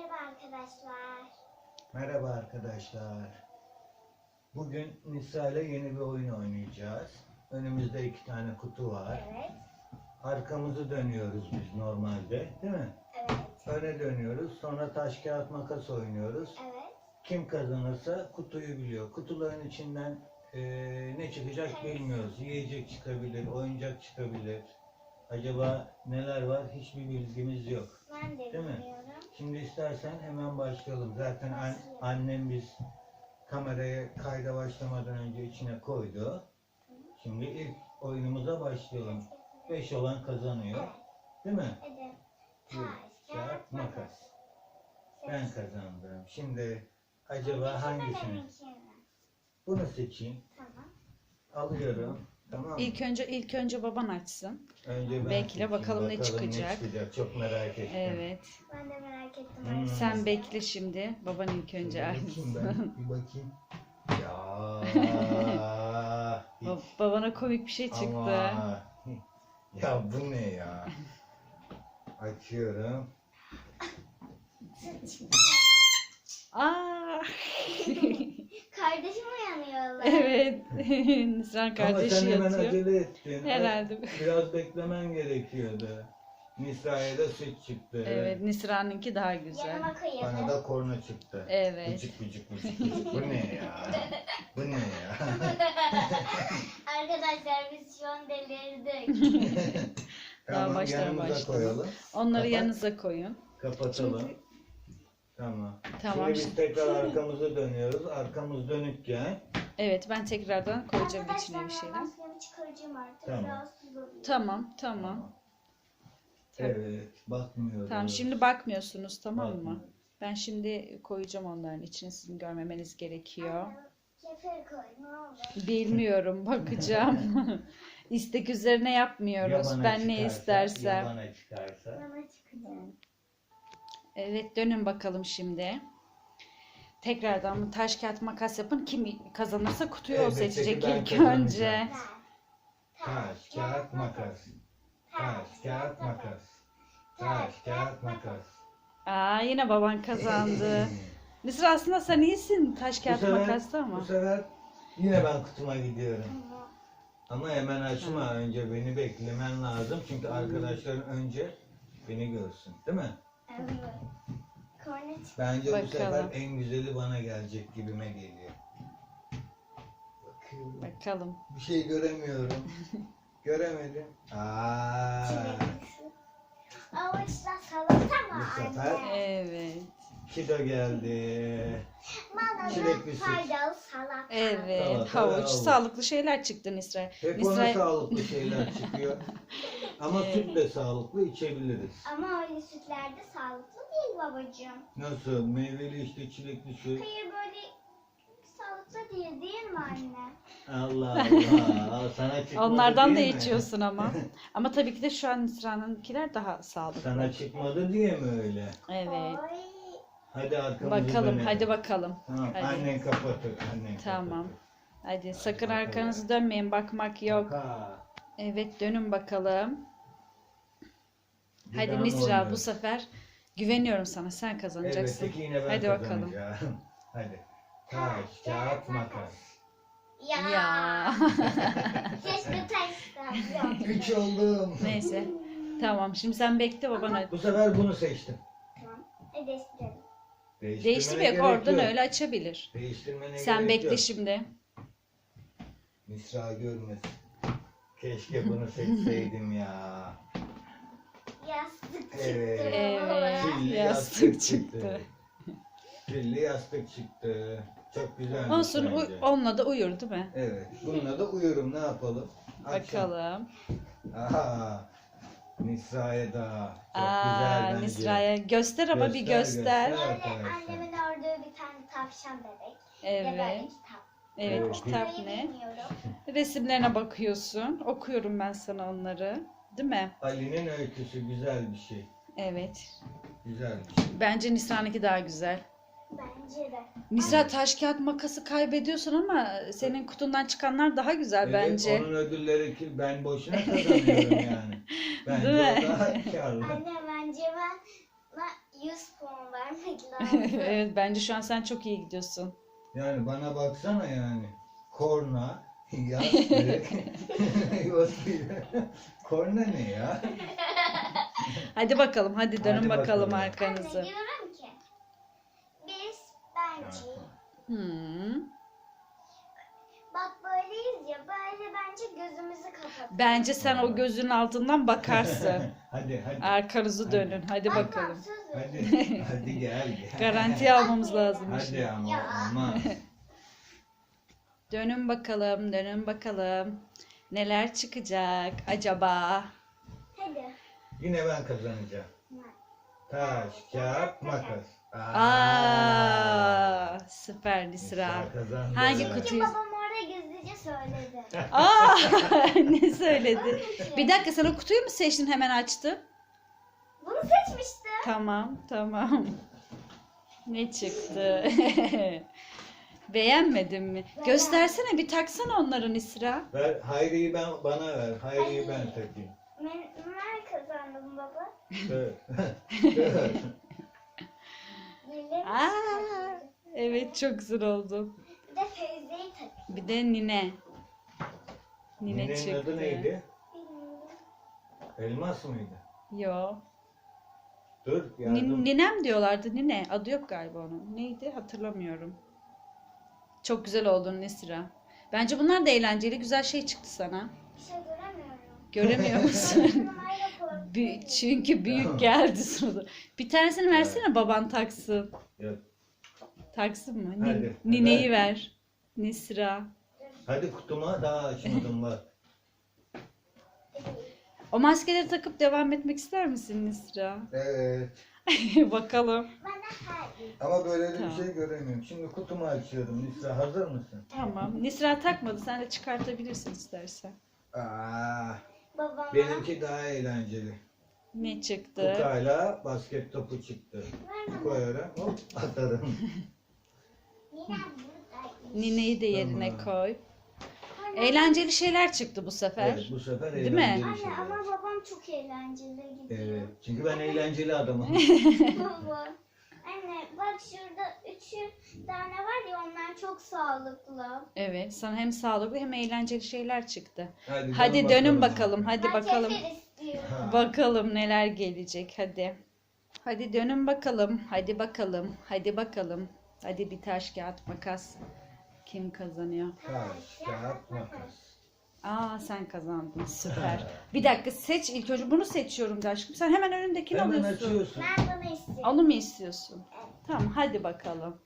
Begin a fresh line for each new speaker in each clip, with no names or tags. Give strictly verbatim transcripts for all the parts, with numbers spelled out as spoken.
Merhaba arkadaşlar.
Merhaba arkadaşlar. Bugün Nisa ile yeni bir oyun oynayacağız. Önümüzde iki tane kutu var.
Evet.
Arkamızı dönüyoruz biz normalde, değil mi?
Evet.
Öne dönüyoruz. Sonra taş kağıt makas oynuyoruz.
Evet.
Kim kazanırsa kutuyu biliyor. Kutuların içinden eee, ne çıkacak bilmiyoruz. Yiyecek çıkabilir, oyuncak çıkabilir. Acaba neler var? Hiçbir bilgimiz yok.
Ben de
Değil mi?
bilmiyorum.
Şimdi istersen hemen başlayalım. Zaten an- annem biz kameraya kayda başlamadan önce içine koydu. Şimdi ilk oyunumuza başlayalım. beş olan kazanıyor. Değil mi?
Hadi.
Bir,
Taş,
kağıt,
kağıt,
makas.
makas.
Ben
Seç.
kazandım. Şimdi acaba
Benimki mi,
hangisini?
benimki mi?
Bunu seçeyim.
Tamam.
Alıyorum. Tamam mı?
İlk önce ilk önce baban açsın.
Önce ben
bekle,
seçeyim.
bakalım ne çıkacak.
çıkacak. Çok merak ettim.
Evet.
Ben de merak ettim.
Hmm.
arkadaşlar.
Sen bekle şimdi. Baban ilk önce
Bir bakayım
açsın.
ben. Bir bakayım. Ya.
Ba- Babana komik bir şey çıktı.
Ama ya bu ne ya? Açıyorum.
Aa!
Kardeşim uyanıyorlar.
Evet. Nisran
Ama
kardeşi
sen hemen
yatıyor.
acele ettin.
Herhalde.
Biraz beklemen gerekiyordu. Nisra'ya da süt çıktı.
Evet, Nisra'nınki daha güzel.
Yanıma
Bana
koyalım.
da korna çıktı.
Evet.
Bıcık bıcık bıcık bıcık. Bu ne ya? Bu ne ya?
Arkadaşlar biz şu an delirdik.
Daha
Tamam,
baştan
yanımıza
başlayalım.
koyalım.
Onları
Kapat.
yanınıza koyun.
Kapatalım.
Şimdi-
Tamam.
Tamam.
Şimdi biz tekrar arkamızı dönüyoruz. Arkamız dönükken
Evet, ben tekrardan koyacağım içine
Arkadaşlar
bir
ben
şeyler.
maskemi çıkaracağım artık.
Tamam.
Rahatsız oluyorum.
Tamam, tamam. Tabii.
Evet, bakmıyoruz.
Tamam, şimdi bakmıyorsunuz, tamam mı?
Bakmıyoruz.
Ben şimdi koyacağım onların içine, sizin görmemeniz gerekiyor.
Anne, Kefir koy ne olur.
Bilmiyorum, bakacağım. İstek üzerine yapmıyoruz.
Yabana
Ben ne
çıkarsa,
istersem.
Yabana çıkarsa.
Bana çıkacak.
Evet, dönün bakalım şimdi. Tekrardan taş kağıt makas yapın. Kim kazanırsa kutuyu o
Elbette ki
seçecek
ben
ilk
kazanacağım.
önce.
Ben.
Taş, kağıt, makas. Taş, kağıt, makas. Taş, kağıt, makas.
Aa, yine baban kazandı. Mısır, aslında sen iyisin taş
Bu
kağıt
sefer,
makasta ama.
bu sefer yine ben kutuma gidiyorum.
Tamam.
Ama hemen açma, önce beni beklemen lazım. Çünkü arkadaşların önce beni görsün. Değil mi?
Evet. Korna çık.
Bence bu
Bakalım.
sefer en güzeli bana gelecek gibime geliyor. Bakıyorum.
Bakalım.
Bir şey göremiyorum. Göremedim. Aa,
Çileklisi. Avuçla salata mı
Bu sefer-
anne?
Evet.
Kido geldi.
Bana
Çilekli
da
süt.
faydalı salata.
Evet,
Salata,
havuç,
havuç.
sağlıklı şeyler çıktı Nisra.
Hep ona
Nisra,
sağlıklı şeyler çıkıyor. Ama süt de sağlıklı içebiliriz.
Ama öyle sütlerde sağlıklı değil babacığım.
Nasıl? Meyveli işte çilekli süt.
Hayır böyle sağlıklı değil değil mi anne?
Allah Allah. Sana çıkmadı
onlardan da
diye mi?
içiyorsun ama. Ama tabii ki de şu an Nisra'nınkiler daha sağlıklı.
Sana çıkmadı diye mi öyle?
Evet.
Oy.
Hadi arkamızı
Bakalım,
dönelim.
hadi bakalım.
Tamam,
Hadi.
annen kapatır. Annen
Tamam.
kapatır.
Hadi sakın
bakalım.
arkanızı dönmeyin, bakmak yok.
Ha,
Evet, dönün bakalım.
bir
Hadi
daha mı
Nisra, bu
oynuyoruz?
sefer güveniyorum sana, sen kazanacaksın.
Elbette ki yine ben
Hadi bakalım.
kazanacağım. Hadi. Taş, kağıt, makas.
Ya.
Ya.
Keşke taştan.
Üç oldum.
Neyse. Tamam, şimdi sen bekle, babana.
Bu sefer bunu seçtim.
Tamam. Hadi değiştirelim.
Değiştirmene
Değiştirme yok,
gerek
oradan
yok.
öyle açabilir.
Değiştirmene
Sen
gerek
bekle
yok.
şimdi.
Nisra görmesin. Keşke bunu seçseydim ya.
Yastık çıktı.
Evet.
Evet.
Pilli
Yastık
yastık
çıktı.
çıktı. Pilli yastık çıktı. Çok güzel.
Olsun, u- onunla da uyur değil mi?
Evet. Bununla da uyurum. Ne yapalım? Akşam.
Bakalım.
Aha. Nisra'ya da. Çok
Aa,
güzel bence.
Nisra'ya göster ama bir
Göster,
göster.
göster.
Böyle
Arkadaşlar.
annemin ördüğü bir tane tavşan bebek. Ve böyle
Evet.
kitap.
Evet,
Evet.
kitap
Burayı
ne?
bilmiyorum.
Resimlerine bakıyorsun. Okuyorum ben sana onları. Değil mi?
Ali'nin öyküsü güzel bir şey.
Evet.
Güzel bir şey.
Bence Nisra'nınki daha güzel.
Bence de.
Nisra, taş kağıt makası kaybediyorsun ama senin kutundan çıkanlar daha güzel
Evet,
bence.
onun ödülleri ki ben boşuna kazanıyorum yani. Bence
Değil mi?
o daha karlı.
Anne bence ben, ben yüz puan vermek lazım.
Evet, bence şu an sen çok iyi gidiyorsun.
Yani bana baksana yani. Korna, yastık, yastık. Korna ne ya?
Hadi bakalım, hadi dönün
Hadi
bakalım
bakalım.
arkanızı.
Anne diyorum ki biz bence
Hmm.
bak böyleyiz ya böyle bence gözümüzü kapatalım.
Bence sen o gözün altından bakarsın.
Hadi hadi.
Arkanızı dönün. Hadi
Tamam,
bakalım.
söz ver.
Hadi, hadi gel gel.
Garantiye almamız lazım.
Hadi ama
Ya.
olmaz.
Dönün bakalım, dönün bakalım. Neler çıkacak acaba?
Hadi.
Yine ben kazanacağım. Taş, kağıt, makas.
Aa, süper Nisra.
Nisra kazandı.
Hangi
Evet.
kutu-
Çünkü babam orada gizlice söyledi.
Aa, ne söyledi?
Onun için.
Bir dakika, sen o kutuyu mu seçtin, hemen açtın?
Bunu seçmiştim.
Tamam, tamam. Ne çıktı? Beğenmedin mi? Göstersene, bir taksana onları Nisra.
Ver, Hayri'yi ben bana ver. Hayri'yi ben takayım.
Ben, ben kazandım baba.
Dur. Dur.
Birleri
Aa,
çıkarttı.
evet, çok güzel oldu.
Bir de Feyze'yi tak.
Bir de Nine. Nine
Ninenin
çıktı.
adı neydi?
Bilmiyorum.
Elmas mıydı?
Yo.
Dur
Nin-
yardım.
Ninem diyorlardı. Nine. Adı yok galiba onun. Neydi? Hatırlamıyorum. Çok güzel oldun Nisra. Bence bunlar da eğlenceli. Güzel şey çıktı sana.
Bir şey göremiyorum.
Göremiyor musun?
Numarayla korkuyorum.
Bü- çünkü büyük geldi sonra. Bir tanesini versene, baban taksın.
Yok.
Taksın mı? Nin-
Hadi,
Nineyi
hadi.
ver. Nisra.
Hadi kutuma daha açmadım bak.
O maskeleri takıp devam etmek ister misin Nisra?
Evet.
Bakalım.
Bana hayır.
Ama böyle de
Tamam.
bir şey göremiyorum. Şimdi kutumu açıyorum. Nisra hazır mısın?
Tamam. Nisra takmadı. Sen de çıkartabilirsin istersen.
Aa,
Babama.
benimki daha eğlenceli.
Ne çıktı?
Kukayla basket topu çıktı.
Ver bana.
Koyarım, hop atarım.
Ninem buradaymış.
Nineyi de yerine
Tamam.
koy.
Anne,
Eğlenceli şeyler çıktı bu sefer.
Evet, bu sefer
Değil mi?
eğlenceli
Anne
şeyler.
ama babam çok eğlenceli gidiyor.
Evet, çünkü ben eğlenceli adamım.
Baba. Anne bak şurada üçü tane var ya onlar çok sağlıklı.
Evet, sana hem sağlıklı hem eğlenceli şeyler çıktı.
Hadi,
Hadi dönün bakalım. Hadi
Ben
bakalım.
kefir istiyorum.
Ha.
Bakalım neler gelecek. Hadi. Hadi dönün bakalım. Hadi bakalım. Hadi bakalım. Hadi bir taş kağıt makas. Kim kazanıyor?
Taş, kağıt, makas.
Aa, sen kazandın. Süper. Bir dakika, seç ilk önce. Bunu seçiyorum da aşkım. Sen hemen önündekini
Hemen
alıyorsun.
açıyorsun.
Ben bunu istiyorum.
Onu mu istiyorsun? Tamam, hadi bakalım.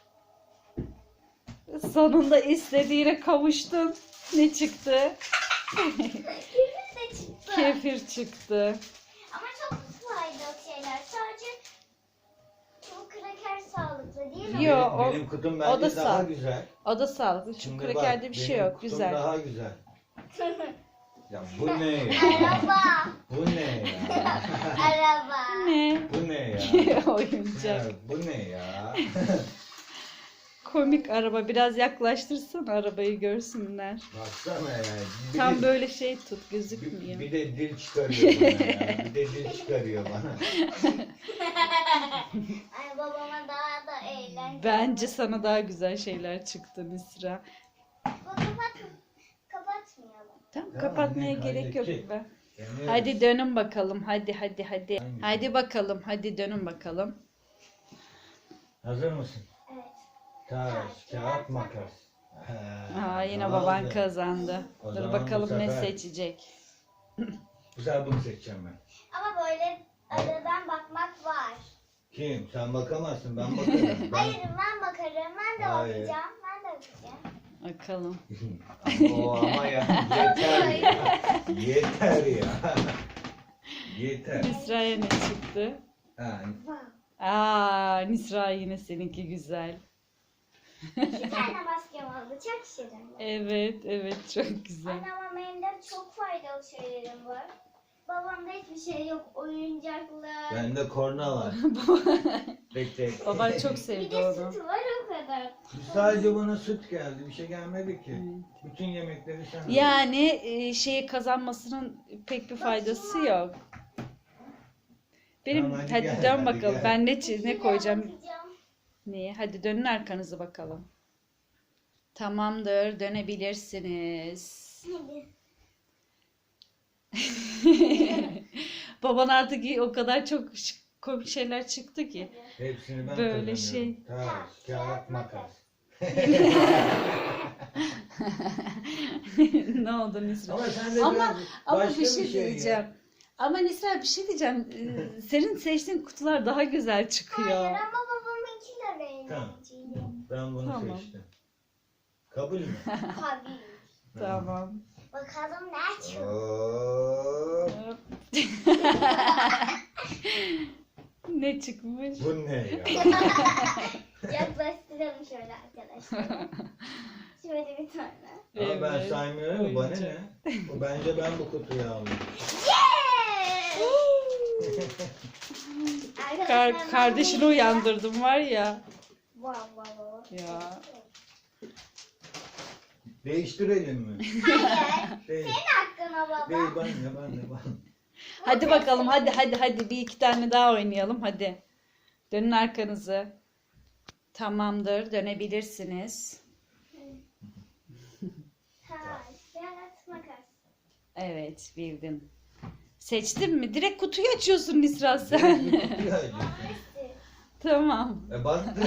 Sonunda istediğine kavuştun. Ne çıktı?
Kefir de çıktı.
Kefir çıktı.
Ama çok faydalı şeyler. Sadece çok kraker sağlıklı değil mi?
Yo,
benim,
o-
benim kutum
o
bence
da
daha
sağ.
güzel.
O da sağlıklı. Şu
Şimdi
krekerde
bak,
bir şey
benim
yok.
kutum
Güzel.
daha güzel. Ya bu ne ya?
Araba.
Bu ne ya?
Araba.
Ne?
Bu ne ya? Ya,
Oyuncak.
bu ne ya?
Komik araba. Biraz yaklaştırsın, arabayı görsünler.
Baksana ya. Bir
Tam
de,
böyle şey tut,
bir,
gözükmüyor.
bir de dil çıkarıyor bana ya. Bir de dil çıkarıyor bana.
Ay babama daha da eğlenceli.
Bence sana daha güzel şeyler çıktı Nisra.
Bu kapat, kapatmayalım.
Tamam,
Tamam,
kapatmaya
ne,
gerek yok.
halledecek.
Ben.
Yani
Hadi dönün bakalım. Hadi hadi hadi.
Hangisi?
Hadi bakalım. Hadi dönün bakalım.
hazır mısın?
Evet.
Taş, kağıt, makas. Ha,
Aa, yine
tamam
baban
da.
kazandı.
O
Dur
zaman
bakalım
bu
ne
sefer-
seçecek.
Bu sefer bunu seçeceğim ben.
Ama böyle aradan bakmak var.
Kim? Sen bakamazsın, ben bakarım. Ben...
Hayır ben bakarım. Ben de
Hayır.
bakacağım. Ben de bakacağım.
Bakalım.
o ama ya yeter ya. Yeter ya. Yeter.
Nisra'ya ne çıktı?
Ha,
Wow.
Aa, Nisra yine seninki güzel.
İki tane maskem oldu. Çok şirin.
Evet, evet, çok güzel.
Anne ama benim de çok faydalı şeylerim var. Babamda hiçbir şey yok. Oyuncaklar.
bende korna var. tek tek.
Baban çok
Bir
sevdi
de
onu.
süt var o kadar.
Sadece bana süt geldi. Bir şey gelmedi ki. Bütün yemekleri sen aldın.
Yani e, şeyi kazanmasının pek bir faydası yok. Benim
Tamam, hadi
hadi,
gel,
dön
hadi
bakalım.
gel.
Ben ne çiz- ne
Şuraya
koyacağım?
bakacağım.
Niye? Hadi dönün arkanızı bakalım. Tamamdır, dönebilirsiniz.
Hadi.
Baban artık iyi- o kadar çok ş- komik şeyler çıktı ki.
Hepsini ben
Böyle
kazanıyorum.
şey.
Taş, kağıt, makas.
Ne oldu Nisra?
Ama sen de
Ama-
biraz
Ama
başka
bir şey
ya.
diyeceğim. Ama Nisra bir şey diyeceğim. Ee, Senin seçtiğin kutular daha güzel çıkıyor.
Hayır ama babamınki de
Tamam.
eğlenceli.
Ben bunu
Tamam.
seçtim. Kabul mü?
Tabii.
Tamam.
Bakalım ne çıkıyor.
Oo,
Ne çıkmış?
bu ne ya?
Yaklaştıralım şöyle arkadaşlar. Şöyle bir tane.
Ama ben
Evet,
saymıyorum. Bana ne?
oyuncak.
Bu bence ben bu kutuyu aldım.
Arkadaşlar,
Kar-
ben
kardeşini
bunu-
uyandırdım var ya.
Wow wow wow.
Ya.
Değiştirelim mi?
Hayır.
Değil.
Senin hakkına baba.
Değil ben de ben de ben.
Hadi bakalım hadi hadi hadi bir iki tane daha oynayalım hadi. Dönün arkanızı. Tamamdır, dönebilirsiniz.
Taş, kağıt, makas.
Evet, bildin. Seçtin mi? Direkt kutuyu açıyorsun Nisra sen.
Kutuyu açıyorsun.
Hangisi?
Tamam.
E baktın.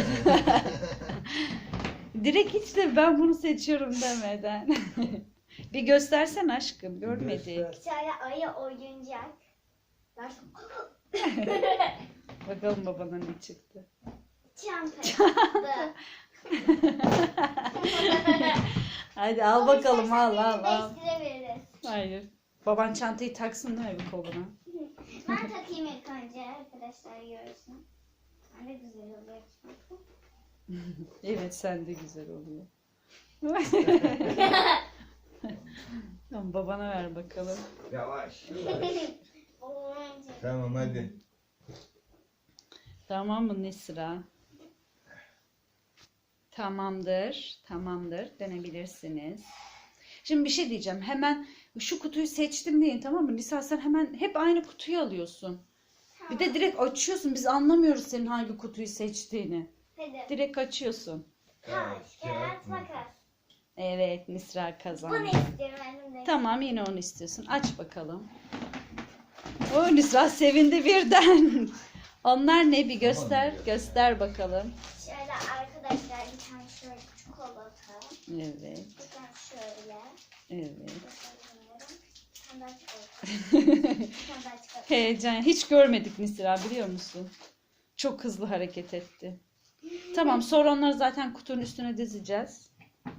Direkt hiç de ben bunu seçiyorum demeden. Bir göstersen aşkım, görmedik.
Göster.
Bir tane ayı oyuncak. Taş-
Bakalım babana ne çıktı.
Çanta çıktı.
Hadi al bakalım al al al.
Değiştirebiliriz.
Hayır. Baban çantayı taksın değil mi bir koluna?
Ben takayım ilk önce arkadaşlar görsün. Ne güzel oluyor.
Evet sen de güzel oluyor. Tamam babana ver bakalım.
Yavaş.
Oyuncak.
Tamam hadi.
Tamam mı Nisra? Tamamdır. Tamamdır. Dönebilirsiniz. Şimdi bir şey diyeceğim. Hemen şu kutuyu seçtim deyin tamam mı? Nisra sen hemen hep aynı kutuyu alıyorsun. Bir de direkt açıyorsun. Biz anlamıyoruz senin hangi kutuyu seçtiğini.
Hadi.
Direkt açıyorsun.
Taş, kağıt, makas.
Evet Nisra kazandı.
Bunu istiyorum annem de.
Tamam yine onu istiyorsun. Aç bakalım. O Nisra sevindi birden. Onlar ne bir göster.
Tamam.
Göster bakalım.
Şöyle arkadaşlar bir tane şöyle çikolata.
Evet.
Bir tane şöyle.
Evet.
Gösterebilirim. Bir tane daha çikolata. Bir tane daha çikolata.
Heyecan. Hiç görmedik Nisra biliyor musun? Çok hızlı hareket etti. Tamam sonra onları zaten kutunun üstüne dizeceğiz.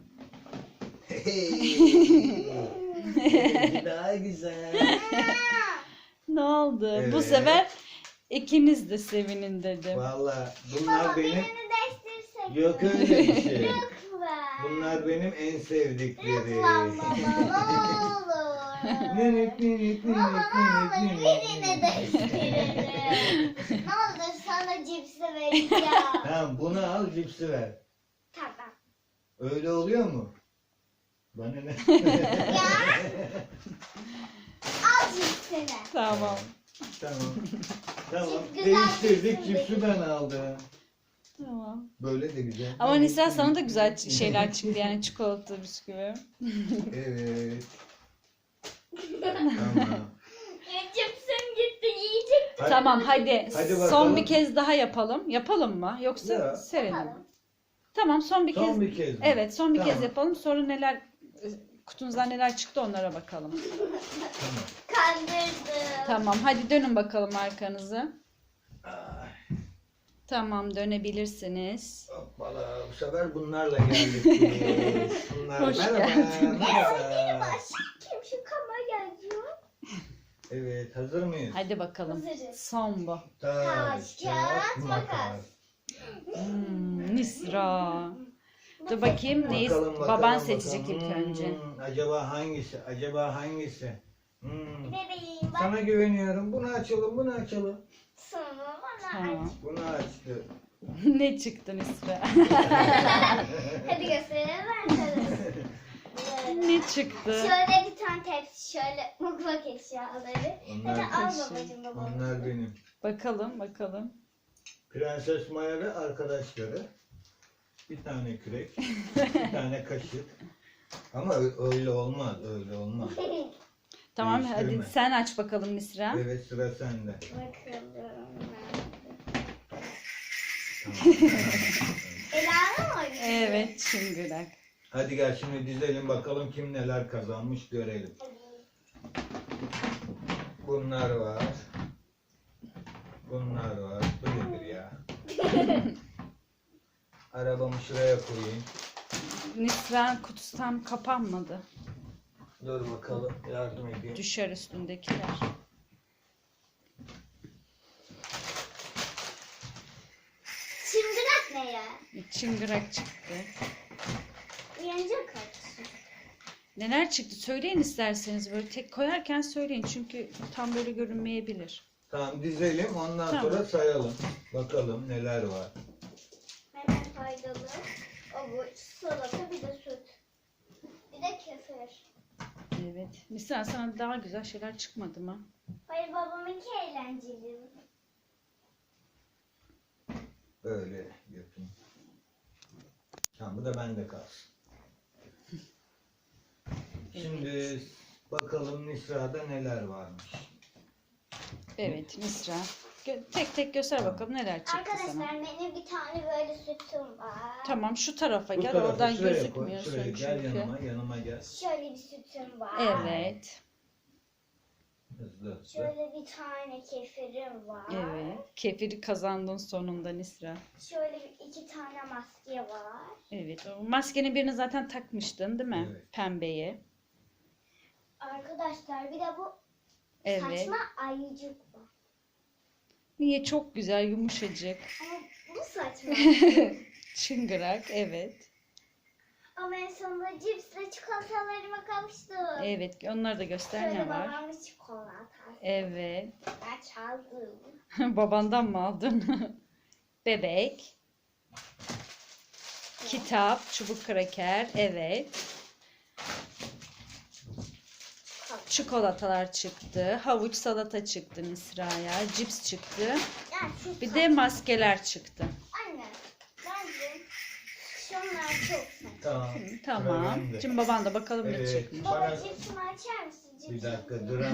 Daha güzel.
Ne oldu? Bu
Evet.
sefer ikiniz de sevinin dedim.
Valla bunlar
Baba
benim...
birini değiştirsek.
Yok öyle bir şey.
Lütfen.
Bunlar benim en sevdiklerim.
Lütfen baba ne olur.
Minik minik minik
Baba ne
minik
olur
minik.
birini değiştirelim. Ne olur sana cipsi vereceğim.
Tamam bunu al cipsi ver.
Tamam.
Öyle oluyor mu? Bana ne?
Al cipsini.
Tamam.
Tamam. Tamam.
Cips güzel
Değiştirdik
cipsi
cipsi ben aldım.
Tamam.
Böyle de güzel.
Ama Nisra sana da güzel ç- şeyler çıktı yani çikolata bisküvi.
Evet. Tamam.
Ya cipsim gitti yiyecektim.
Hadi.
Tamam hadi,
Hadi
son
bakalım.
bir kez daha yapalım. Yapalım mı? Yoksa
Ya.
serelim mi?
Yapalım.
Tamam son bir kez.
Son bir kez mi?
Evet son bir
Tamam.
kez yapalım. Sonra neler e, kutunuzdan neler çıktı onlara bakalım.
Tamam.
Kandırdım.
Tamam hadi dönün bakalım arkanızı.
Ay,
Tamam dönebilirsiniz.
hoppala. Bu sefer bunlarla geldik biz. Bunlar
Hoş
merhaba.
geldin.
Merhaba.
Kim şu kamera yazıyor?
Evet hazır mıyız?
Hadi bakalım.
Hazırız.
Son bu.
Taş, kağıt, makas.
Hmm, Nisra. Dur bakayım neyi
Bakalım, bakalım,
baban seçecek
bakalım.
ilk önce.
Hmm, acaba hangisi? Acaba hangisi? Hmm.
Bebeğim bak
Sana güveniyorum. Bunu açalım, bunu açalım.
sonra bana
Tamam.
aç.
Bunu açtı.
Ne çıktı Nisra?
Hadi gösterelim arkadaşlar.
Ne çıktı?
Şöyle bir tane tepsi, şöyle mutfak eşyaları.
Onlar,
Hadi al
Teşekkür.
babacığım babamı.
onlar benim.
Bakalım bakalım.
Prenses Maya ve arkadaşları. Bir tane kürek, bir tane kaşık. Ama ö- öyle olmaz, öyle olmaz.
Tamam hadi
Değiştirme.
sen aç bakalım Nisra.
Evet, sıra sende.
Bakalım.
Tamam.
Ela'nın mı oynuyor?
Evet çıngırak.
Hadi gel şimdi dizelim bakalım kim neler kazanmış görelim. Bunlar var. Bunlar var. Bu nedir ya? Arabamı şuraya koyayım.
Nisra kutusu tam kapanmadı.
Dur bakalım, yardım edeyim.
Düşer üstündekiler.
Çıngırak ne ya?
Çıngırak çıktı.
Uyanacak kaç.
Neler çıktı söyleyin isterseniz, böyle tek koyarken söyleyin çünkü tam böyle görünmeyebilir.
Tamam dizelim, ondan
Tamam.
sonra sayalım. Bakalım neler var.
Hemen faydalı. Avuç, salata, bir de süt. Bir de kefir.
Evet. Nisra sana daha güzel şeyler çıkmadı mı?
Hayır, babamınki eğlenceli.
Böyle yapayım. Tamam, bu da bende kalsın. Şimdi bakalım Nisra'da neler varmış.
Evet Nisra. Gö- tek tek göster bakalım neler çıktı
Arkadaşlar
sana.
benim bir tane böyle sütüm var.
Tamam şu tarafa
Bu
gel,
tarafa
oradan
şuraya koy,
gözükmüyorsun
şuraya
çünkü.
gel yanıma, yanıma gel.
Şöyle bir sütüm var.
Evet.
Hızlı hızlı.
Şöyle bir tane kefirim var.
Evet. Kefiri kazandın sonunda Nisra.
Şöyle bir iki tane maske var.
Evet. O maskenin birini zaten takmıştın değil mi?
Evet.
Pembeye.
Arkadaşlar bir de bu
Evet.
saçma ayıcık var.
Niye? Çok güzel, yumuşacık.
Ama bu saçma.
Çıngırak. Evet.
Ama en sonunda cipsle çikolatalarıma kavuştum.
Evet. Onları da göster
Şöyle
ne var.
babamın çikolatası.
Evet.
Ben çaldım.
Babandan mı aldın? Bebek. Kitap, çubuk kraker. Evet. Çikolatalar çıktı. Havuç salata çıktı Nisra'ya. Cips çıktı.
Yani şu
Bir de maskeler çıktı.
Anne, bence şunlar çok saçma.
Tamam.
Hı,
sıra
tamam.
bende.
Şimdi baban da bakalım ne
Evet.
çıkmış.
Baba
Bana-
cipsimi açar mısın?
Bir
Cipsimi.
dakika duram.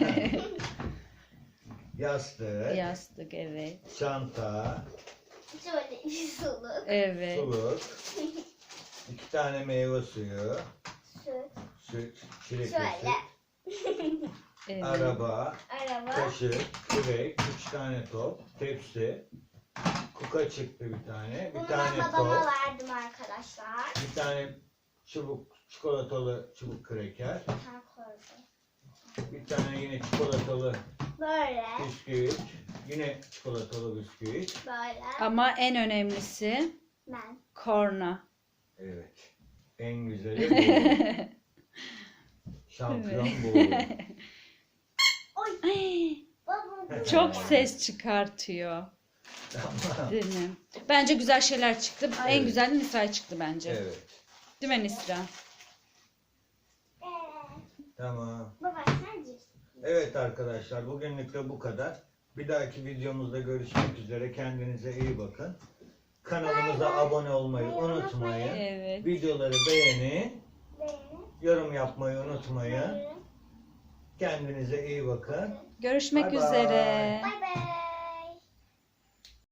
Yastık,
Yastık evet.
çanta,
Şöyle bir suluk.
Evet.
suluk, iki tane meyve suyu,
Süt.
süt, çilek
Şöyle.
süt,
Evet.
araba,
Araba.
kaşık, kürek, üç tane top, tepsi, kuka çıktı bir tane, bir
Bunu
tane
ben babama
top,
verdim arkadaşlar.
bir tane çubuk, çikolatalı çubuk kreker,
Ha, koydum.
bir tane yine çikolatalı
Böyle.
bisküvit, yine çikolatalı bisküvit.
Böyle.
Ama en önemlisi
Ben.
korna.
Evet. En güzeli bu. Şampiyon bu.
Oy.
Ay,
Babam.
çok ses çıkartıyor.
Tamam.
Değil mi? Bence güzel şeyler çıktı. En
Evet.
güzel de Nisra çıktı bence.
Evet.
Değil mi Nisra?
Ee,
Tamam.
baba sen cips.
Evet arkadaşlar, bugünlük de bu kadar. Bir dahaki videomuzda görüşmek üzere. Kendinize iyi bakın. Kanalımıza abone olmayı unutmayın.
Evet.
Videoları beğenin.
Beğeni.
Yorum yapmayı unutmayın.
Buyurun.
Kendinize iyi bakın.
Görüşmek
Bye bye.
üzere.
Bay bay.